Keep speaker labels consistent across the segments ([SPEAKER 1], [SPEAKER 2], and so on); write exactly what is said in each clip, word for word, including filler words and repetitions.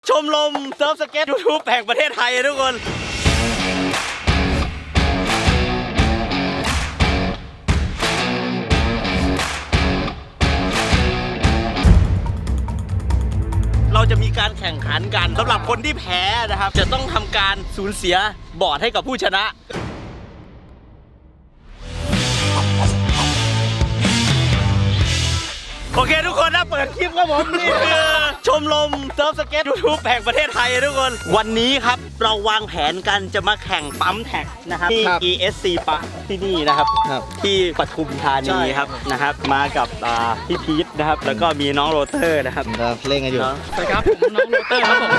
[SPEAKER 1] ชมรมเซิร์ฟสเก็ตยูทูบแห่งประเทศไทยทุกคนเราจะมีการแข่งขันกันสำหรับคนที่แพ้นะครับจะต้องทำการสูญเสียบอร์ดให้กับผู้ชนะโอเคทุกคนนะเปิดคลิปครับผมนี่คือชมรมเซิร์ฟสเก็ตยูทูบแห่งประเทศไทยทุกคนวันนี้ครับเราวางแผนกันจะมาแข่งปั๊มแท็กนะครับที่ อี เอส ซี ปะที่นี่นะครับที่ปทุมธานีครับนะครับมากับพี่พีทนะครับแล้วก็มีน้องโรเตอร์นะครับ
[SPEAKER 2] เล่นกันอยู่
[SPEAKER 1] สวัสดีครับผมน้องโรเตอร์ครับผม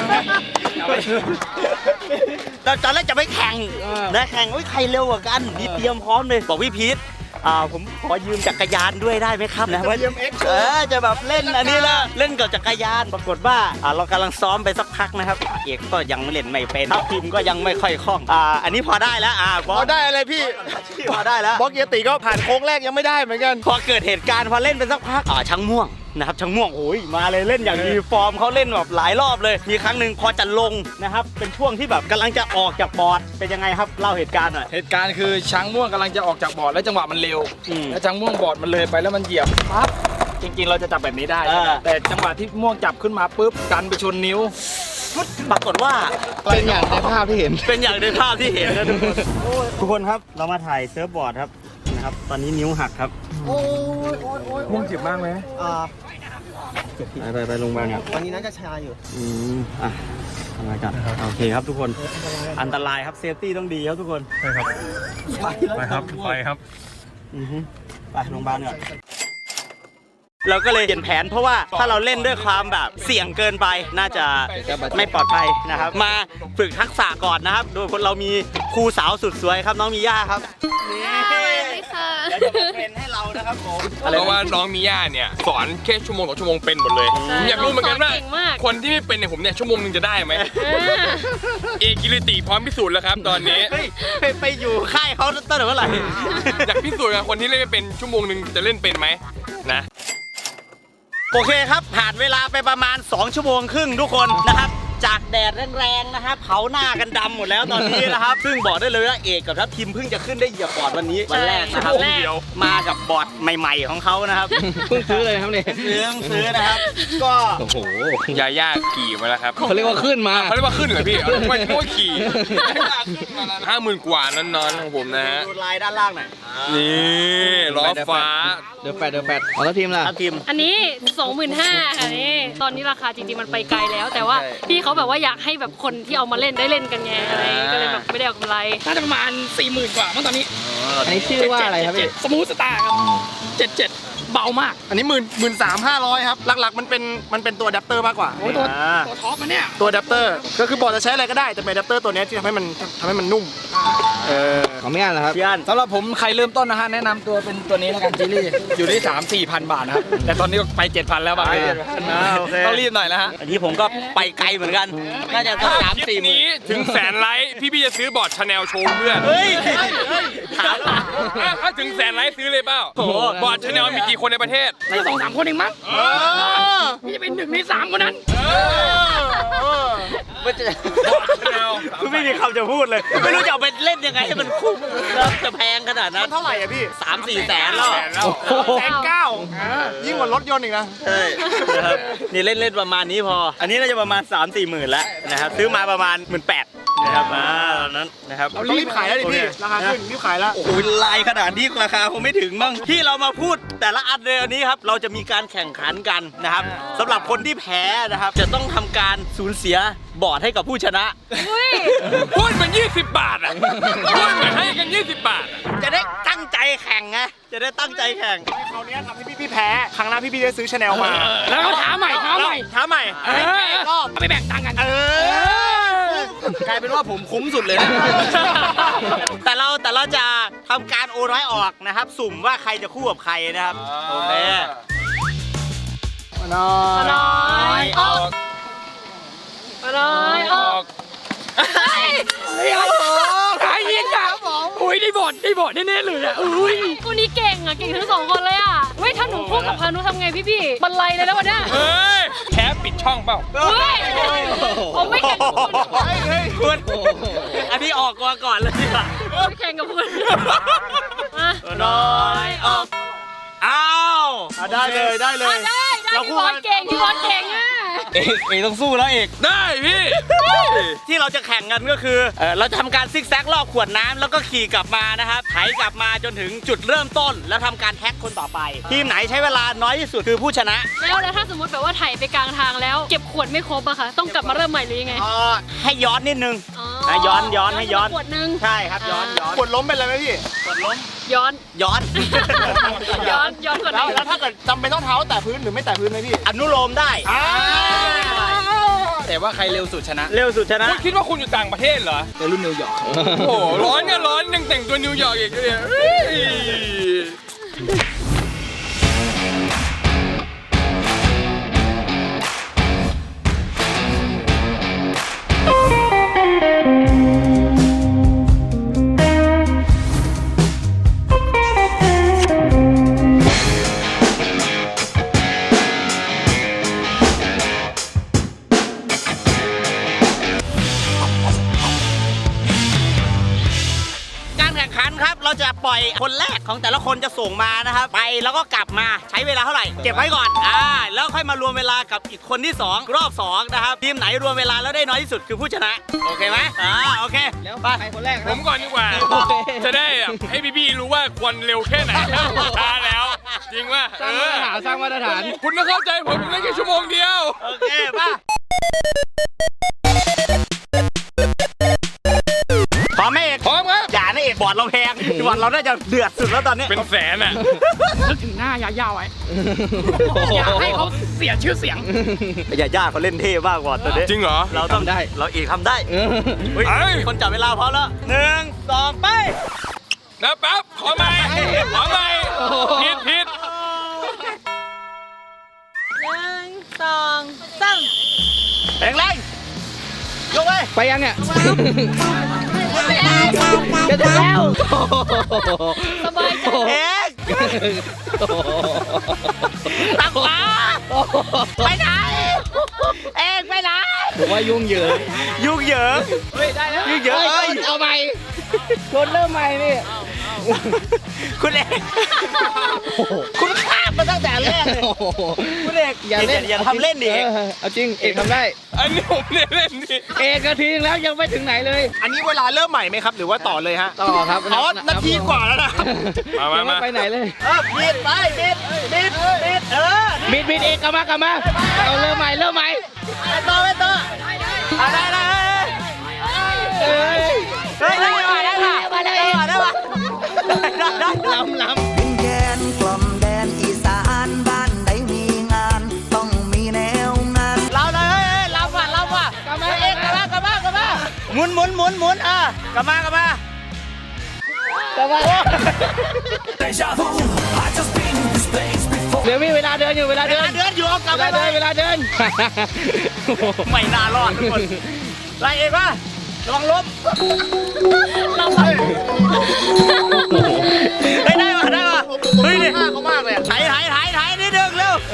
[SPEAKER 1] ตอนแรกจะไม่แข่งนะแข่งว่าใครเร็วกว่ากันนี่เตรียมพร้อมเลยบอกพี่พีทอ่าผมขอยืมจักรยานด้วยได้ไหมครับนะว่าเออจะแบบเล่นอันนี้ละเล่นกับจักรยานปรากฏว่าอ่าเรากำลังซ้อมไปสักพักนะครับเอกก็ยังเล่นไม่เป็นทัพทีมก็ยังไม่ค่อยคล่องอ่าอันนี้พอได้แล้วอ่าพอ
[SPEAKER 2] ได้อะไรพี่
[SPEAKER 1] พอได้แล้ว
[SPEAKER 2] บล็อกเยติก็ผ่านโค้งแรกยังไม่ได้เหมือนกัน
[SPEAKER 1] พอเกิดเหตุการณ์พอเล่นไปสักพักอ่าช่างม่วงนะครับช่างม่วงโอ้ยมาเลยเล่นอย่างดีฟอร์มเขาเล่นแบบหลายรอบเลยมีครั้งหนึ่งพอจะลงนะครับเป็นช่วงที่แบบกำลังจะออกจากบอร์ดเป็นยังไงครับเล่าเหตุการณ์หน่อย
[SPEAKER 3] เหตุการณ์คือช้างม่วงกำลังจะออกจากบอร์ดแล้วจังหวะมันเร็วแล้วช้างม่วงบอร์ดมันเลยไปแล้วมันเหยียบปั๊บจริงๆเราจะจับแบบนี้ได้แต่จังหวะที่ม่วงจับขึ้นมาปุ๊บกันไปชนนิ้ว
[SPEAKER 1] ปรากฏว่า
[SPEAKER 2] เป็นอย่างในภาพที่เห็น
[SPEAKER 1] เป็นอย่างในภาพที่เห็นนะทุกคนทุกคนครับเรามาถ่ายเซิร์ฟบอร์ดครับนะครับตอนนี้นิ้วหักครับ
[SPEAKER 3] โอ้ยโอ้ยโอ้ยม่วงเจ็บมากไหม
[SPEAKER 2] อ่า
[SPEAKER 1] ไปไปโรงพยาบาลครับ
[SPEAKER 2] ตอนนี้น่าจะชาอยู่
[SPEAKER 1] อืมอ่ะทำไมกันโอเคครับทุกคนอันตรายครับเซฟตี้ต้องดีครับทุกคน
[SPEAKER 3] ไปครับไปครับไปครับ
[SPEAKER 1] อือฮึไปโรงพยาบาลก่อนเราก็เลยเปลี่ยนแผนเพราะว่าถ้าเราเล่นด้วยความแบบเสี่ยงเกินไปน่าจะไม่ปลอดภัยนะครับมาฝึกทักษะก่อนนะครับโดยคนเรามีครูสาวสุดสวยครับน้องมีย่าครับเดี๋ยวจะมาเทรนให้เรานะครับผม
[SPEAKER 4] เพราะว่าน้องมีย่าเนี่ยสอนแค่ชั่วโมงต่อชั่วโมงเป็นหมดเลยอยากรู้เหมือนกันว่าคนที่ไม่เป็นเนี่ยผมเนี่ยชั่วโมงนึงจะได้ไหมเอกิริติพร้อมพิสูจน์แล้วครับตอนนี้
[SPEAKER 1] ไปไปอยู่ค่ายเขาตั้งแต่เมื่อไหร่
[SPEAKER 4] อยากพิสูจน์กับคนที่เล่นไม่เป็นชั่วโมงนึงจะเล่นเป็นไหมนะ
[SPEAKER 1] โอเคครับผ่านเวลาไปประมาณสองชั่วโมงครึ่งทุกคนนะครับจากแดดแรงๆนะครับเผาหน้ากันดำหมดแล้วตอนนี้นะครับซึ่งบอกได้เลยว่าเอกกับทัพทีมเพิ่งจะขึ้นได้เหยียบบอร์ดวันนี้วันแรกนะครับมากับบอร์ดใหม่ๆของเขานะครับ
[SPEAKER 2] เพิ่งซื้อเลยครับเนี่ย
[SPEAKER 1] ซื้อซื้อนะครับก็
[SPEAKER 4] โอ้โหยาย่าขี่มาแล้วครับ
[SPEAKER 2] เขาเรียกว่าขึ้นมา
[SPEAKER 4] เขาเรียกว่าขึ้นเหรอพี่ไม่ไม่ว่าขี่ห้าหมื่นกว่านอนๆของผมนะฮะ
[SPEAKER 1] ดูลายด้านล่างหน่อย
[SPEAKER 4] นี่ล้อฟ้า
[SPEAKER 2] เดือดแปดเดือดแปดเอาแล้วทีมล่ะ
[SPEAKER 1] ทีม
[SPEAKER 5] อันนี้สองหมื่นห้าค่ะนี่ตอนนี้ราคาจริงๆมันไปไกลแล้วแต่ว่าพี่เขาแบบว่าอยากให้แบบคนที่เอามาเล่นได้เล่นกันไงอะไรก็เลยแบบไม่ได้เอากำไร
[SPEAKER 3] น่าจะประมาณสี่หมื่นกว่ามั้งตอนนี้
[SPEAKER 2] อันนี้ชื่อว่าอะไรครับพี่
[SPEAKER 3] สมูทสตาร์ครับเจ็ดเจ็ดเบามาก
[SPEAKER 2] อันนี้หมื่นหมื่นสามห้าร้อยครับหลักๆมันเป็นมันเป็นตัวอะแดปเตอร์มากกว่า
[SPEAKER 3] โอ้ตัวตัวท็อปมันเนี่ย
[SPEAKER 2] ตัวอะแดปเตอร์ก็คือบอร์ดจะใช้อะไรก็ได้แต่เป็นอะแดปเตอร์ตัวนี้ที่ทำให้มันทำให้มันนุ่มเออของไม่อ่านเหรอครับ
[SPEAKER 1] พี่อัน
[SPEAKER 3] สำหรับผมใครเริ่มต้นนะฮะแนะนำตัวเป็นตัวนี้แล้วกันจิลี่อยู่ที่สามสี่พันบาทนะครับแต่ตอนนี้ไปเจ็ดพันแล้วบางทีต้องรีบหน่อยแล้วฮะ
[SPEAKER 1] อันนี้ผมก็ไปไกลเหมือนกันน่าจะต้องสามสี่หมื่น
[SPEAKER 4] นี้ถึงแสนไลค์พี่พี่จะซื้อบอร์ดชาแนลโชว์เพื่อน
[SPEAKER 1] เฮ้ย
[SPEAKER 4] ถ้าถึงแสนไลค์ซื้อเลยเปล่าบอร์ดชาแนลมีกี่คนในประเทศ
[SPEAKER 3] ไม่สองสามคนเองมั้งพี่จะเป็นหนึ่งในสามคนนั้น
[SPEAKER 1] คือไม่มีคำจะพูดเลยไม่รู้จะเอาไปเล่นยังไงให้มันคุ้มแล้วจะแพงขนาดนั้น
[SPEAKER 2] เท่าไหร่อะพี่
[SPEAKER 1] สามสี่แสนแล้ว
[SPEAKER 2] แสนเก้ายิ่งกว่ารถยนต์อีกนะ
[SPEAKER 1] ใช่นะครับนี่เล่นเล่นประมาณนี้พออันนี้น่าจะประมาณสามสี่หมื่นแล้วนะครับซื้อมาประมาณหมื่นแปดนะครับอ่าตอนนั้นนะครับ
[SPEAKER 2] เรารีบขายแล้วดิพี่ราคาขึ้นรีบขายแล้ว
[SPEAKER 1] โอ้โหลายขนาดนี้ราคาคงไม่ถึงมั้งที่เรามาพูดแต่ละอันเลยอันนี้ครับเราจะมีการแข่งขันกันนะครับสำหรับคนที่แพ้นะครับจะต้องทำการสูญเสียบอร์ดให้กับผู้ชนะ
[SPEAKER 4] พูดเหมือนยี่สิบบาทอ่ะพูดเหมือนให้กันยี่สิบบาท
[SPEAKER 1] จะได้ตั้งใจแข่งไงจะได้ตั้งใจแข่ง
[SPEAKER 2] คราวนี้ทำให้พี่พี่แพ้ครั้งหน้าพี่พี่จะซื้อชาแนลมา
[SPEAKER 3] แล้วก็ท้าใหม่ท้าใหม่
[SPEAKER 1] ท้าใหม่
[SPEAKER 3] รอบไปแบ่งตังค์กัน
[SPEAKER 1] เออกลายเป็นว่าผมคุ้มสุดเลยนะแต่เราแต่เราจะทำการโอนไว้ออกนะครับสุ่มว่าใครจะคู่กับใครนะครับโอเค
[SPEAKER 2] น้อย
[SPEAKER 5] น้อยออกน้อยออก
[SPEAKER 3] เฮ้ยขายยิงอ่ะอุ้ยได้บอดได้บอดแน่ๆเลยอ่ะอุ้ย
[SPEAKER 5] คู่นี้เก่งอ่ะเก่งทั้งสองคนเลยอ่ะเว้ยถ้าหนูคู่กับพานุทำไงพี่พี่บรรลัยเลยแล้ววันนี้
[SPEAKER 4] เฮ้ยแค่ปิดช่องเปล่า
[SPEAKER 5] เฮ้ยผมไม่แข่งกับคุณ
[SPEAKER 1] คุณอันนี้ออกก่อนก่อนเลยดีกว่า
[SPEAKER 5] ไม่แข่งกับคุณมา
[SPEAKER 1] น้อยออกอ้าว
[SPEAKER 2] อ่ะได้เลยได้เลย
[SPEAKER 5] อ่ะได้ได้พี่บอลเก่งพี่บอลเก่งอ่ะ
[SPEAKER 1] เอกเอกต้องสู้แล้วเอก
[SPEAKER 4] ได้พี่
[SPEAKER 1] ที่เราจะแข่งกันก็คือเอ่อเราจะทำการซิกแซกรอบขวดน้ำแล้วก็ขี่กลับมานะครับไถกลับมาจนถึงจุดเริ่มต้น แล้วทำการแท็กคนต่อไป ทีมไหนใช้เวลาน้อยที่สุดคือผู้ชนะ
[SPEAKER 5] แล้วแล้วถ้าสมมติแบบว่าไถ่ไปกลางทางแล้วเก็บขวดไม่ครบอะค่ะต้องกลับมาเริ่มใหม่หรือยังไง
[SPEAKER 1] เอ่อให้ย้อนนิดนึง
[SPEAKER 5] อ๋อ
[SPEAKER 1] นะย้อนย้อนให้ย้อน
[SPEAKER 5] ขวดนึง
[SPEAKER 1] ใช่ครับย้อนย้อน
[SPEAKER 2] กดล้มเป็นอะไรไหมพี่
[SPEAKER 1] กดล้ม
[SPEAKER 5] ย้อน
[SPEAKER 1] ย้อน
[SPEAKER 5] ย้อนย้อนขวด
[SPEAKER 2] แล้ว
[SPEAKER 5] นึง
[SPEAKER 2] แล้วถ้าเกิดจำเป็นต้องเท้าแตะพื้นหรือไม่แตะพื้นไหมพี่
[SPEAKER 1] อนุโลมได้
[SPEAKER 3] แต่ว่าใครเร็วสุดชนะ
[SPEAKER 1] เร็วสุดชนะ
[SPEAKER 4] คุณคิดว่าคุณอยู่ต่างประเทศเหรอ
[SPEAKER 3] ในรุ่นนิวยอร์ก
[SPEAKER 4] โอ้โหร้อนเนี่ยร้อนยังแต่งตัวนิวยอร์กอีกเลยเฮ้ย
[SPEAKER 1] การแข่งขันครับเราจะปล่อยคนแรกของแต่ละคนจะส่งมานะครับไปแล้วก็กลับมาใช้เวลาเท่าไหร่เก็บไว้ก่อนอ่าแล้วค่อยมารวมเวลากับอีกคนที่สองรอบสองนะครับทีมไหนรวมเวลาแล้วได้น้อยที่สุดคือผู้ชนะโอเคไหมอ่าโอเคไปคนแรก
[SPEAKER 4] ผมก่อนดีกว่า จะได้แบบให้พี่ๆรู้ว่าควรเร็วแค่ไหนช้าแล้ว จริงว่า
[SPEAKER 3] สร้างมาตรฐานสร้างมาตรฐาน
[SPEAKER 4] คุณต้องเข้าใจผมผมเล่นแค่ชั่วโมงเดียว
[SPEAKER 1] โอเคป่ะพร้อมไหมเอก
[SPEAKER 4] พร้อมครับ
[SPEAKER 1] อย่านะเอกบอร์ดเราแพงบอร์ดเราน่าจะเดือดสุดแล้วตอนนี้
[SPEAKER 4] เป็นแสนอ่ะ
[SPEAKER 5] นึกถึงหน้ายาวๆไว้อยากให้เขาเสียชื่อเสียง
[SPEAKER 1] อย่าย่าเขาเล่นเท่มากบอร์ดตอนนี้
[SPEAKER 4] จริงเหรอ
[SPEAKER 1] เราต้อง
[SPEAKER 3] ทำได้
[SPEAKER 1] เราเอกทำได้เฮ้ย
[SPEAKER 4] เอ้ย
[SPEAKER 1] คนจับเวลาพร้อมแล้วหนึ่งสองไป
[SPEAKER 4] นะแป๊บขอใหม่ขอใหม่ผิดผิด
[SPEAKER 1] หนึ่งสองสามแรงแรงยกไป
[SPEAKER 3] ไปยังเนี่ย
[SPEAKER 5] จะถึงแล้วสบายใจ
[SPEAKER 1] เอกตักขวาไปไหนเอกไปไหน
[SPEAKER 3] ผมว่ายุ่งเหยิง
[SPEAKER 1] ยุ่งเหยิง
[SPEAKER 5] เฮ้ยได้แล้ว
[SPEAKER 1] ยุ่งเหยิงเอ้ย
[SPEAKER 3] เอาใหม่ชนเริ่มใหม่นี่
[SPEAKER 1] คุณเอกคุณข้ามมาตั้งแต่แรกเลยคุณเอก
[SPEAKER 3] อย่าเล่น
[SPEAKER 1] อย่าทำเล่นดิเอก
[SPEAKER 3] เออเอาจริงเอกทำได้
[SPEAKER 4] อันนี้ผมเล่นเล่นดิ
[SPEAKER 3] เอกนาทีนึงแล้วยังไม่ถึงไหนเลย
[SPEAKER 2] อันนี้เวลาเริ่มใหม่ไหมครับหรือว่าต่อเลยฮะ
[SPEAKER 3] ต่อครับ
[SPEAKER 2] อ๋อนาทีกว่าแล้วนะ
[SPEAKER 4] มามา
[SPEAKER 3] ยังไม่
[SPEAKER 4] มา
[SPEAKER 3] ไปไหนเลย
[SPEAKER 1] เออบิดไปบิดบิดบิดเออ
[SPEAKER 3] บิดบิดเอกกลับมากลับมาเอาเริ่มใหม่เริ่มใหม่
[SPEAKER 1] ไปต่อไปต่อเอาได้ได้
[SPEAKER 3] เอ้ย
[SPEAKER 1] เฮ้ยได้ว่ะได้ว่ะได้ว่ะได้ว่ะได้ได้
[SPEAKER 3] ล้ำล้ำ
[SPEAKER 6] ดินแดนกล่อมแดนอีสานบ้านใดมีงาน ต้องมีแนวงาน
[SPEAKER 1] เราเลยเฮ้ยเราว่ะเราว่ะกลับมาเองกลับมากลับมากลับมาหมุนหมุนหมุนหมุนอ่ะกลับมากลับมา
[SPEAKER 3] แต่ว่าเดี๋ยวมีเวลาเดินอยู่เวลา
[SPEAKER 1] เว
[SPEAKER 3] เดิ
[SPEAKER 1] ลาน เดินอยู่เอากลับ
[SPEAKER 3] เว
[SPEAKER 1] ไป
[SPEAKER 3] ลา
[SPEAKER 1] เล
[SPEAKER 3] เดิน
[SPEAKER 1] ย
[SPEAKER 3] เวลาเดิน
[SPEAKER 1] ไม่น่ารอดทุกคนไล่เองป่ะระวังล้ม
[SPEAKER 5] เราแบบ
[SPEAKER 1] เฮ้ยได้ป่ะได้ป่ะเฮ้ยนี่เขามากเลยถ่ายถ่ายถ่ายถ่ายนิดนึงเร็ว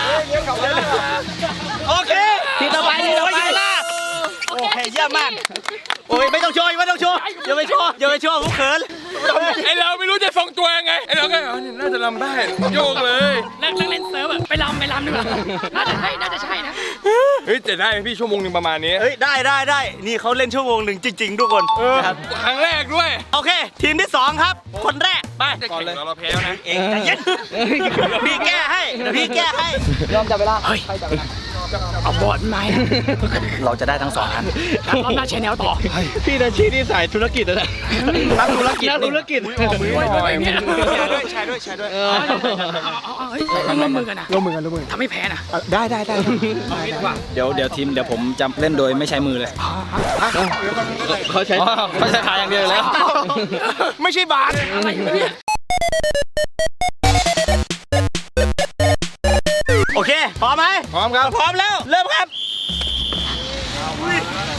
[SPEAKER 1] โอเค
[SPEAKER 3] ทีต่อไปทีต่อไป
[SPEAKER 1] โอเคเยี่ยมมากโอ้ยไม่ต้องโชว์ไม่ต้องโชว์อย่าไปโชว์อย่าไปโชว์ผมเขิน
[SPEAKER 4] ไอเราไม่รู้จะทรงตัวยังไงไอเราก็อ๋อนี่น่าจะลำได้โยกเลย
[SPEAKER 5] นักนักเล่นเซิร์ฟอะไปลำไปลำดีกว่าน่าจะใช่น่าจะใช่นะ
[SPEAKER 4] เฮ้ยแต่ได้ไหมพี่ชั่วโมงหนึ่งประมาณนี้
[SPEAKER 1] เฮ้ยได้ได้ได้นี่เขาเล่นชั่วโมงหนึ่งจริง ๆ ทุกคน
[SPEAKER 4] เออ
[SPEAKER 1] นะครับ
[SPEAKER 4] ครั้งแรกด้วย
[SPEAKER 1] โอเค ทีมที่สองครับ คนแรกไป
[SPEAKER 4] จะแข่งเราเราแพ้แล้วนะ
[SPEAKER 1] เองใจเย็นเดี๋ยวพี่แก้ให้เดี๋ยวพี่แก้ให้
[SPEAKER 3] ยอมจับเวลา
[SPEAKER 5] เอาบอดมา
[SPEAKER 1] เราจะได้ทั้งสองอัน
[SPEAKER 5] เราหน้าแชนแนลต่อ
[SPEAKER 3] พี่นาชีที่สายธุรกิจนะนักธุรกิจนักธุรกิจ
[SPEAKER 2] ใช้ด้วยใช้ด้วย
[SPEAKER 3] เออ
[SPEAKER 5] เอาเอาเฮ้ยต้องร่วมมือกันนะ
[SPEAKER 2] ร่วมมือกันร่วมมือกัน
[SPEAKER 5] ทำไม่แพ้นะ
[SPEAKER 2] อ่ะได้ได้ได้
[SPEAKER 3] เดี๋ยวเดี๋ยวทีมเดี๋ยวผมจะเล่นโดยไม่ใช้มือเลยเขาใช้เขาใช้ขาอย่างเดียวแล้ว
[SPEAKER 2] ไม่ใช่บาส
[SPEAKER 5] อะไรอยู่เนี่ย
[SPEAKER 1] โอเคพร้อมไหม
[SPEAKER 2] พร้อมครับ
[SPEAKER 1] พร้อมแล้วเริ่มครับ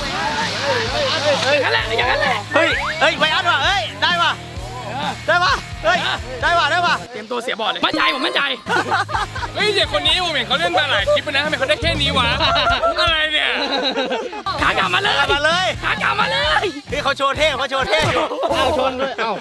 [SPEAKER 5] อย่างนั้นแหละอย่างนั้นแหละ
[SPEAKER 1] เฮ้ยเฮ้ยไวอันว่ะเฮ้ยได้ว่ะได้ว่ะเฮ้ยได้ป่ะได้ป่ะ
[SPEAKER 3] เตรียมตัวเสียบอลเลยมั่นใจผมมั่นใจ
[SPEAKER 4] เฮ้ยเด็กคนนี้ผมเห็นเขาเล่นมาหลายคลิปนะทำไมเขาได้แค่นี้วะอะไรเนี่ย
[SPEAKER 3] ขากลับมาเลย
[SPEAKER 1] มาเลย
[SPEAKER 3] ขากลับมาเลย
[SPEAKER 1] พี่เขาโชว์เท่เขาโชว์เท่อยู่
[SPEAKER 2] เอาชนด้วยเอ้า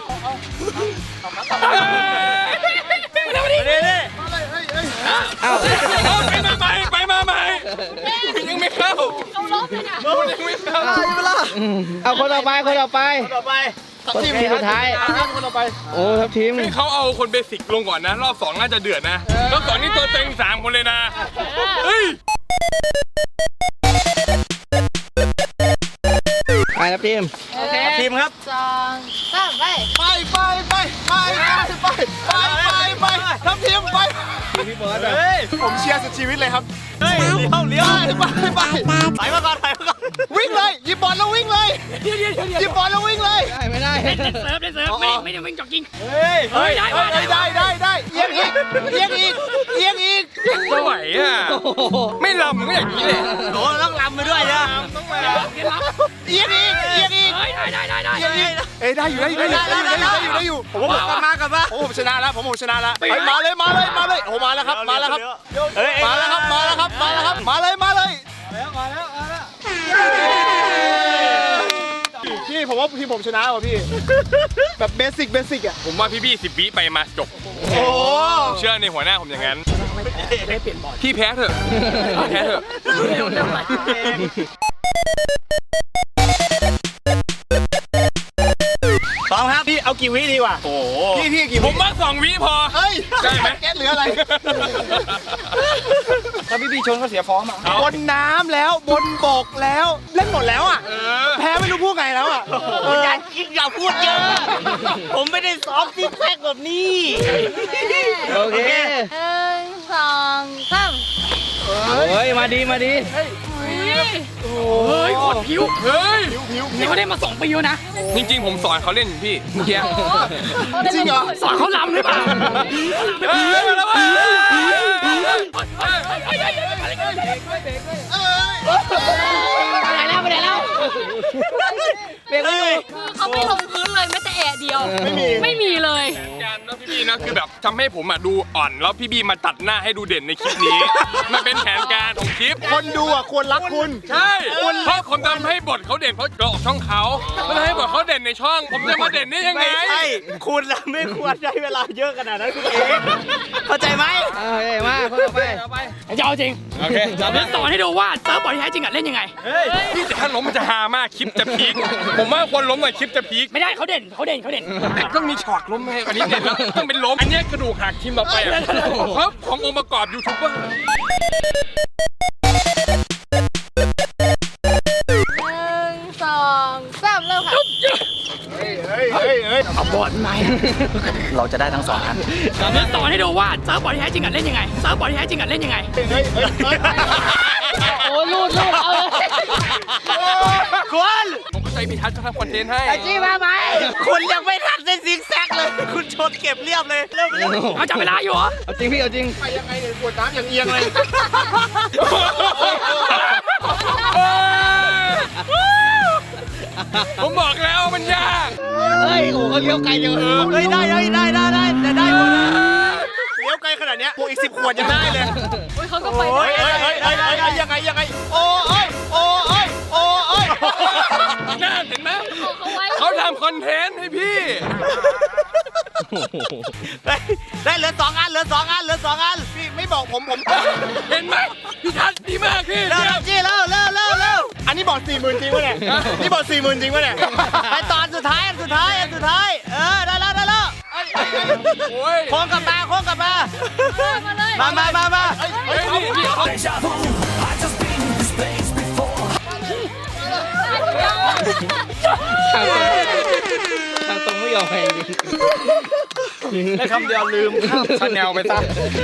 [SPEAKER 1] นี่นี่
[SPEAKER 2] เอ้า
[SPEAKER 4] เอาไปมาใหม่ไปมาใหม่ยังไม่เข้า
[SPEAKER 5] เขาล้มเลยเนี่ย
[SPEAKER 4] ยังไม่เข้า
[SPEAKER 2] เอาคนต่อไปคนต่อไป
[SPEAKER 1] ต่อไป
[SPEAKER 2] คนทีมสุดท้ายคนต่อไปโอ้ทัพทีม
[SPEAKER 4] ให้เขาเอาคนเบสิกลงก่อนนะ รอบสองน่าจะเดือดนะรอบสองนี่ตัวเต็งสามคนเลยนะเฮ้ย
[SPEAKER 2] ไปทัพทีม
[SPEAKER 5] โอเค
[SPEAKER 1] ทีมครับ
[SPEAKER 5] สองสามไป
[SPEAKER 2] ไปไปไปไปไปไปไปไปทัพทีมไปพี่เบิร์ด
[SPEAKER 1] เฮ้ย
[SPEAKER 2] ผมเชียร์สุดชีวิตเลยครับ
[SPEAKER 1] เฮ้ยเลี้ยวเลี้ยว
[SPEAKER 2] ไปไป
[SPEAKER 1] ไปมาก่อนไปมาก่อน
[SPEAKER 2] วิ่งเลยหยิบบอลแล้ววิ่งเลยหยิบบอลแล้ววิ่งเลยได้ไม่ได้
[SPEAKER 3] เล่นเซิร์ฟเล่นเซิร์ฟไม่ไม่ได้วิ่งจ็อกกิ้ง
[SPEAKER 1] เฮ้ย
[SPEAKER 3] เฮ้ยได้ว่ะได้
[SPEAKER 2] ได้ได้ได้เอียงอีกเอียงอีกเอียงอีก
[SPEAKER 4] ไม่ไหวอ่ะไม่ลำก็อย่างนี้เลย
[SPEAKER 1] โอ้ต้องลำไปด้วยนะ
[SPEAKER 2] เอียงอีกเอียงอีก
[SPEAKER 3] เฮ้ยได้ได้ได้ได้
[SPEAKER 2] เอียงอีกเอ้ยได้อยู่ได้อยู่ได้อยู่ได้อยู่ได้อยู่ได้อยู่ผม
[SPEAKER 1] กลับมากลับมา
[SPEAKER 2] โอ้ผมชนะแล้วผมผมชนะแล้วไปมาเลยมาเลยมาเลยโอ้มาแล้วครับมาแล้วครับ
[SPEAKER 1] เฮ้ย
[SPEAKER 2] มาแล้วครับมาแล้วครับมาแล้วครับมาเลยมาเลยพี่ผมว่าพี่ผมชนะว่ะพี่แบบเบสิกเบสิกอ่ะ
[SPEAKER 4] ผมว่าพี่บี้สิบวิไปมาจบ
[SPEAKER 2] โอ้
[SPEAKER 4] ผมเชื่อในหัวหน้าผมอย่างนั้นพี่แพ้เถอะแพ้เถอะ
[SPEAKER 1] พร้อมครับ
[SPEAKER 2] พี่เอากี่วิดีกว่า
[SPEAKER 1] โอ้
[SPEAKER 2] พี่พี่กี่
[SPEAKER 4] ผ
[SPEAKER 2] วิ
[SPEAKER 4] มว่าสองวิพอ
[SPEAKER 2] เฮ้ย
[SPEAKER 4] ได้ไหม
[SPEAKER 2] แก๊สเหลืออะไร
[SPEAKER 3] ถ้าพี่บีชนก็เสียฟอร์มอ่ะ
[SPEAKER 2] บนน้ำแล้วบนบกแล้วเล่นหมดแล้วอ่ะ
[SPEAKER 4] เออ
[SPEAKER 2] แพ้ไม่รู้พูดไงแล้วอ่ะ
[SPEAKER 1] อย่าคิดอย่าพูดเยอะ ผมไม่ได้ซ้อมซิกแพคแบบนี้
[SPEAKER 2] โอเค
[SPEAKER 5] หนึ่งสองสาม
[SPEAKER 2] เฮ้ยมาดีมาดี
[SPEAKER 3] เฮ้ยโคตรผิว
[SPEAKER 4] เฮ้ย
[SPEAKER 3] นี่เขาได้มาสองปีแล้วนะ
[SPEAKER 4] จริงๆผมสอนเขาเล่นพี่เมื่อกี้
[SPEAKER 2] จริงเหรอ
[SPEAKER 3] สอนเขาลำหรือเปล่า
[SPEAKER 4] เฮ้ยมาแล้วเว้ย
[SPEAKER 3] ไปแล้วไปแล้ว
[SPEAKER 2] เบรกไม่อยู่
[SPEAKER 5] คือเขาไม่ลงพื้นเลยแม้แต่แอะเดียว
[SPEAKER 2] ไม่มี
[SPEAKER 5] ไม่มีเลย
[SPEAKER 4] การนะพี่บีนะคือแบบทำให้ผมอ่ะดูอ่อนแล้วพี่บีมาตัดหน้าให้ดูเด่นในคลิปนี้ มันเป็นแผนการของคลิป
[SPEAKER 2] คนดูอ่ะควรรักคุณ
[SPEAKER 4] ใช่เพราะผมทำให้บทเขาเด่นเพราะเราออกช่องเขาไม่ได้ให้บทเขาเด่นในช่อง ผมจะมาเด่นได้ยังไง
[SPEAKER 1] ไม่ใช่คุณละไม่ควรใช้เวลาเยอะขนาดนั้นคุณเองเข้าใจไหม
[SPEAKER 2] เฮ้ยมาคนต่อไป
[SPEAKER 3] จะเอาจริง
[SPEAKER 4] โอเค
[SPEAKER 3] เดี๋ยวสอนให้ดูว่าเซิร์ฟบอร์ดที่แท้จริงอะเล่นยังไง
[SPEAKER 4] พี่แต่ถ้าล้มมันจะฮามากคลิปจะพีคผมว่าคนล้มหน่อยคลิปจะพีค
[SPEAKER 3] ไม่ได้เขาเด่นเขาเด่นเขาเด่น
[SPEAKER 4] แต่ต้องมีฉากล้มให้อันนี้เด่นแล้วต้องเป็นล้มอันเนี้ยกระดูกหักทีมต่อไปอ่ะเพราะขององค์ประกอบยูทูบเบอร์
[SPEAKER 5] หนึ่งสองสามเริ่มค่ะ
[SPEAKER 2] เฮ้ยเฮ้ยเฮ้ย
[SPEAKER 3] เอาบอร์ดไหม
[SPEAKER 1] เราจะได้ทั้งสองอัน
[SPEAKER 3] เดี๋ยวสอนให้ดูว่าเซิร์ฟบอร์ดที่แท้จริงอะเล่นยังไงเซิร์ฟบอร์ดที่แท้จริงอะเล่นยังไง
[SPEAKER 2] เฮ้ยเฮ้ยเฮ้ย
[SPEAKER 3] โอ้ลูดลูดเอาเลย
[SPEAKER 1] คุณ
[SPEAKER 4] ผมเข้าใจพี่ทัศน์จะทำคอนเทนต์ให้
[SPEAKER 3] จี้มาไหม
[SPEAKER 1] คุณยังไม่ทันได้ซิกแซกเลย คุณชนเก็บเรียบเลยเริ่มเริ่ม
[SPEAKER 3] เอาจับเวลาอยู่เหรอ
[SPEAKER 2] เอาจริงพี่เอาจริงไปยังไงเนี่ยปวดน้ำอย่างเอียงเลย
[SPEAKER 4] ผมบอกแล้วมันยาก
[SPEAKER 2] เฮ้ยโอ้เขาเลี้ยวไกลจัง
[SPEAKER 1] เฮ้ยได้ได้ได้ได้ได้แต่ได้หมดนะ
[SPEAKER 2] เลี้ยวไกลขนาดเนี้ยพวกอีกสิบขวดยังได้เลย
[SPEAKER 5] โอ้ยเขาก็ไป
[SPEAKER 1] โอ้ย
[SPEAKER 5] ได้
[SPEAKER 2] เฮ้ยเฮ้ยเฮ้ยเฮ้ยยังไงยังไงโอ้ยโอ้ยโอ้ย
[SPEAKER 4] น่าเห็นไหม
[SPEAKER 5] เขาไว้
[SPEAKER 4] เขาทำคอนเทนต์ให้พี่
[SPEAKER 1] ได้ได้เหลือสองอันเหลือสองอันเหลือสองอัน
[SPEAKER 2] พี่ไม่บอกผมผม
[SPEAKER 4] เห็นไหมพี่ทัศน์ดีมากพี่
[SPEAKER 1] เร็วเร็วจี้เร็วเร็วเร็วเร็ว
[SPEAKER 2] อันนี้บอกสี่หมื่นจริงปะเนี่ยนี่บอกสี่หมื่นจริงปะเนี่ย
[SPEAKER 1] ไปตอนสุดท้ายอันสุดท้ายอันสุดท้ายเออได้แล้วได้แล้ว
[SPEAKER 4] โอ้ย
[SPEAKER 1] โค้งกลับมาโค้งกลับมา
[SPEAKER 5] มาเลย
[SPEAKER 1] มามามามา
[SPEAKER 4] เฮ้ยนี่พี่เขา
[SPEAKER 2] ทางตรงไม่ยอมแพ้จริง
[SPEAKER 3] ได้คำเดียวลืมชาแนลไปซะ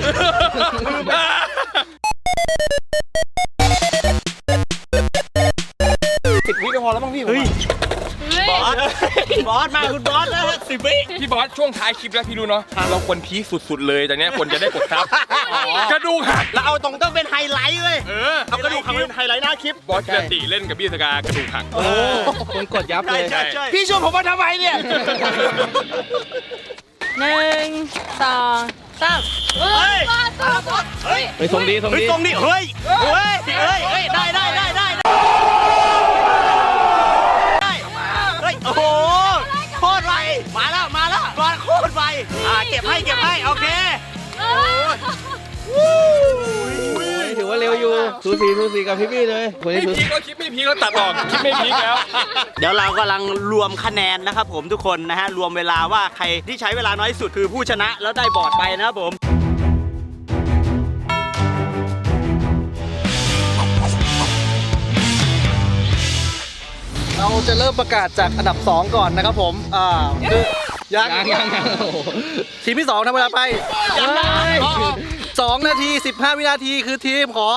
[SPEAKER 2] สิบวิก็พอแล้วมั้งพี่
[SPEAKER 1] เฮ้ย
[SPEAKER 5] เฮ้ย
[SPEAKER 1] บอสบอสมาคุณบอสนะสิบวิ
[SPEAKER 4] พี่บอสช่วงท้ายคลิปแล้วพี่รู้เนาะเราควรพีคสุดๆเลยแต่เนี้ยควรจะได้กดซับกระดูกหัก
[SPEAKER 1] แล้วเอาตรงต้องเป็นไฮไลท์เว้ย
[SPEAKER 4] เออ
[SPEAKER 2] เอากระดูกหักเป็นไฮไลท์หน้าคลิป
[SPEAKER 4] บอสกิรติเล่นกับพี่สกากระดูกหัก
[SPEAKER 2] โอ้คนกดยับเลย
[SPEAKER 1] ใช่ใช่
[SPEAKER 2] พี่ชวนผมมาทำไมเนี่ย
[SPEAKER 5] หนึ่งสองสามเฮ้ย
[SPEAKER 1] เฮ้ย
[SPEAKER 3] ไปส่งดีส่ง
[SPEAKER 1] เฮ้ย
[SPEAKER 3] ดี
[SPEAKER 1] ตรงนี้เฮ้ยเฮ้ยเฮ้ยเฮ้ยได้ได้ได้ได้ได้เฮ้ยโอ้โหโคตรไวมาแล้วมาแล้วบอลโคตรไวอ่าเก็บให้เก็บให้โอเค
[SPEAKER 3] ถือว่าเร็วอยู่สูสีสูสีกับพี่พี่เลยคน
[SPEAKER 4] ไม่
[SPEAKER 3] นี้สู
[SPEAKER 4] พี
[SPEAKER 3] สี
[SPEAKER 4] คก็คลิปไม่พีคแล้วตัดออกคลิปไม่พีคแล้ว
[SPEAKER 1] เดี๋ยวเรากำลังรวมคะแนนนะครับผมทุกคนนะฮะรวมเวลาว่าใครที่ใช้เวลาน้อยที่สุดคือผู้ชนะแล้วได้บอร์ดไปนะครับผม
[SPEAKER 2] เราจะเริ่มประกาศจากอันดับสองก่อนนะครับผม อ่าคือยัง
[SPEAKER 3] ยังยังยังโอ้โห
[SPEAKER 2] ทีมที่สองทำเวลาไป
[SPEAKER 1] ยังได้
[SPEAKER 2] สองนาทีสิบห้าวินาทีคือทีมของ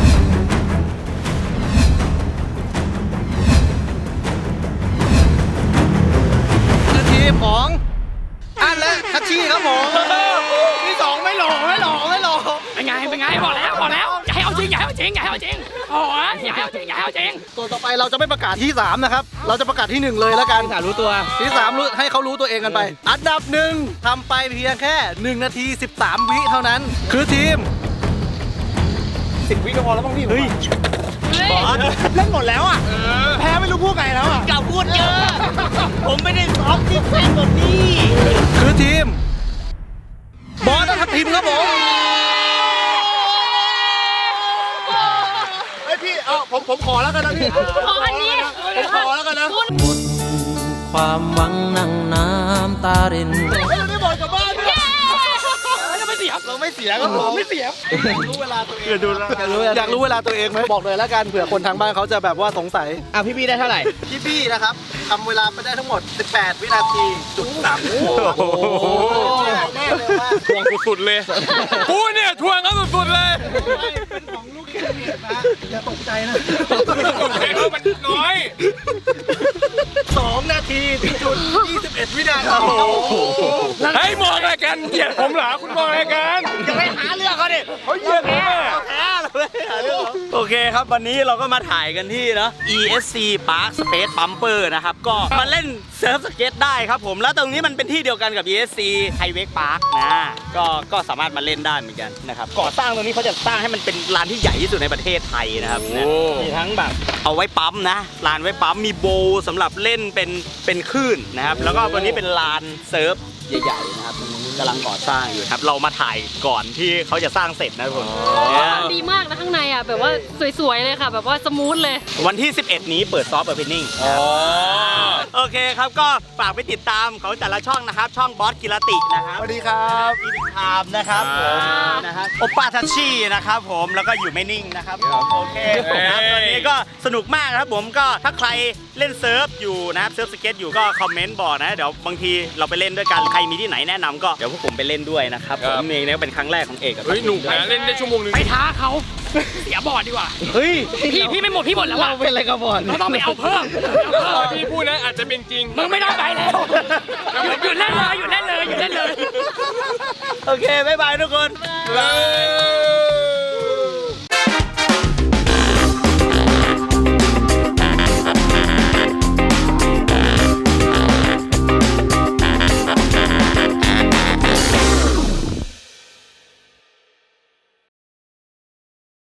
[SPEAKER 2] คือทีมของ อันและคัชชี่ครับผมที่สองไม่หลอกไม่หลอกไม่หลอก
[SPEAKER 5] เป็นไงเป็นไงบอกแล้วบอกแล้วอย่าให้เอาจริงอย่าให้เอาจริงอย่าให้เอาจริงโอ้ยอย่าให้เอาจริงอย่าให้เอาจริง
[SPEAKER 2] ตัวต่อไปเราจะไม่ประกาศที่สามนะครับ เราจะประกาศที่หนึ่งเลยแล้วกัน
[SPEAKER 3] สารู้ตัว
[SPEAKER 2] ที่สามรู้ให้เขารู้ตัวเองกันไป อันดับหนึ่งทำไปเพียงแค่หนึ่งนาทีสิบสามวิเท่านั้น คือทีม
[SPEAKER 3] สิบวิก็พอแล้วบ้างพี่
[SPEAKER 1] เฮ้ย
[SPEAKER 2] บอสเล่นหมดแล้วอ่ะแพ้ไม่รู้พูดไงแล้วอ่ะ
[SPEAKER 1] กล่าวพูดเยอะ ผมไม่ได้ซ้อมที่แฟนแบบนี้
[SPEAKER 2] คือทีม บอสทัพทีมครับผมไอพี่เอาผมผมขอแล้วกันนะพี่
[SPEAKER 5] ขออันนี้
[SPEAKER 2] ผมขอแล้วกันนะ
[SPEAKER 6] ความหวังนั่งน้ำตาริน
[SPEAKER 2] ไม่บอกกลับบ้านเนี่ย
[SPEAKER 5] จะไม่เสียบ
[SPEAKER 2] เราไม่เสียครับผมไม่เสียรู้เวลาตัวเอง
[SPEAKER 1] เดี๋ยวดูแล้ว
[SPEAKER 2] อยากรู้อยากรู้เวลาตัวเองไหมบอกเลยแล้วกันเผื่อคนทางบ้านเขาจะแบบว่าสงสัย
[SPEAKER 3] อ่ะพี่พี่ได้เท่าไหร่
[SPEAKER 2] พี่พี่นะครับทำเวลาไปได้ทั้งหมด สิบแปด วินาทีจุดสาม
[SPEAKER 1] โอ้โห
[SPEAKER 2] แน่เลยว่า
[SPEAKER 4] ทวงสุดๆเลยกูเนี่ยทวงเขาสุดๆเลย
[SPEAKER 2] เป็นของลูกแคเรียนะอย่าตกใจนะ
[SPEAKER 4] มันน้อย
[SPEAKER 2] สองนาทีจุดยี่สิบเอ็ดวินาที
[SPEAKER 4] เฮ้ยมองอะไรกันเหยียดผมเหรอคุณมองอะไรกัน
[SPEAKER 1] จะไปหาเรื่องเขาดิ
[SPEAKER 4] เขาเหยียดผมอะ
[SPEAKER 1] แพ้เลยหาเรื่องเขาโอเคครับวันนี้เราก็มาถ่ายกันที่เนาะ อี เอส ซี Park Space Bumper นะครับก็มาเล่นเซิร์ฟสเก็ตได้ครับผมแล้วตรงนี้มันเป็นที่เดียวกันกับ อี เอส ซี Highway Park นะก็ก็สามารถมาเล่นได้เหมือนกันนะครับก่อสร้างตรงนี้เขาจะสร้างให้มันเป็นลานที่ใหญ่ที่สุดในประเทศไทยนะครับนะมีทั้งแบบเอาไว้ปั๊มนะลานไว้ปั๊มมีโบว์สำหรับเล่นเป็นเป็นคลื่นนะครับแล้วก็ตัวนี้เป็นลานเซิร์ฟใหญ่ๆนะครับตรงนี้กำลังก่อสร้างอยู่ครับเรามาถ่ายก่อนที่เขาจะสร้างเสร็จนะทุกคนเนี่ย
[SPEAKER 5] ดีมากนะข้างในอ่ะแบบว่าสวยๆเลยค่ะ แบบว่าสมูทเลย
[SPEAKER 1] วันที่ สิบเอ็ด นี้เปิดซอฟต์โอเพนนิ่งโอเคครับก็ฝากไปติดตามเขาแต่ละช่องนะครับ ช่องบอสกิรตินะครับ
[SPEAKER 2] สวัสดีครับ
[SPEAKER 1] อีดิคามนะครับผมนะครับโอป้าทัชชี่นะครับผมแล้วก็อยู่ไม่นิ่งนะครับโอเคครับตอนนี้ก็สนุกมากนะครับผมก็ถ้าใครเล่นเซิร์ฟอยู่นะครับเซิร์ฟสเก็ตอยู่ก็คอมเมนต์บอกนะเดี๋ยวบางทีเราไปเล่นด้วยกันใครมีที่ไหนแนะนำก็เดี๋ยวพวกผมไปเล่นด้วยนะครับผมเองเนี่ยเป็นครั้งแรกของเอกกับ
[SPEAKER 4] เฮ้ยหนุกนะเล่นได้ชั่วโมงนึง
[SPEAKER 5] ไปท้าเขาเสียบอร์ดดีกว่า
[SPEAKER 1] เฮ้ย
[SPEAKER 5] พี่พี่ไม่หมดพี่หมดแล้ว
[SPEAKER 3] เรา
[SPEAKER 5] อ่ะ
[SPEAKER 3] เป็นอะไรกับบอล
[SPEAKER 5] เราต้องไปเอาเพิ่ม
[SPEAKER 4] พี่พูดนะอาจจะเป็นจริง
[SPEAKER 5] มึงไม่ต้องไปแล้วหยุดหยุดเล่นเลยหยุดเล่นเลยหยุดเล่นเลย
[SPEAKER 1] โอเคบ๊ายบายทุกคน
[SPEAKER 4] เฮ้ย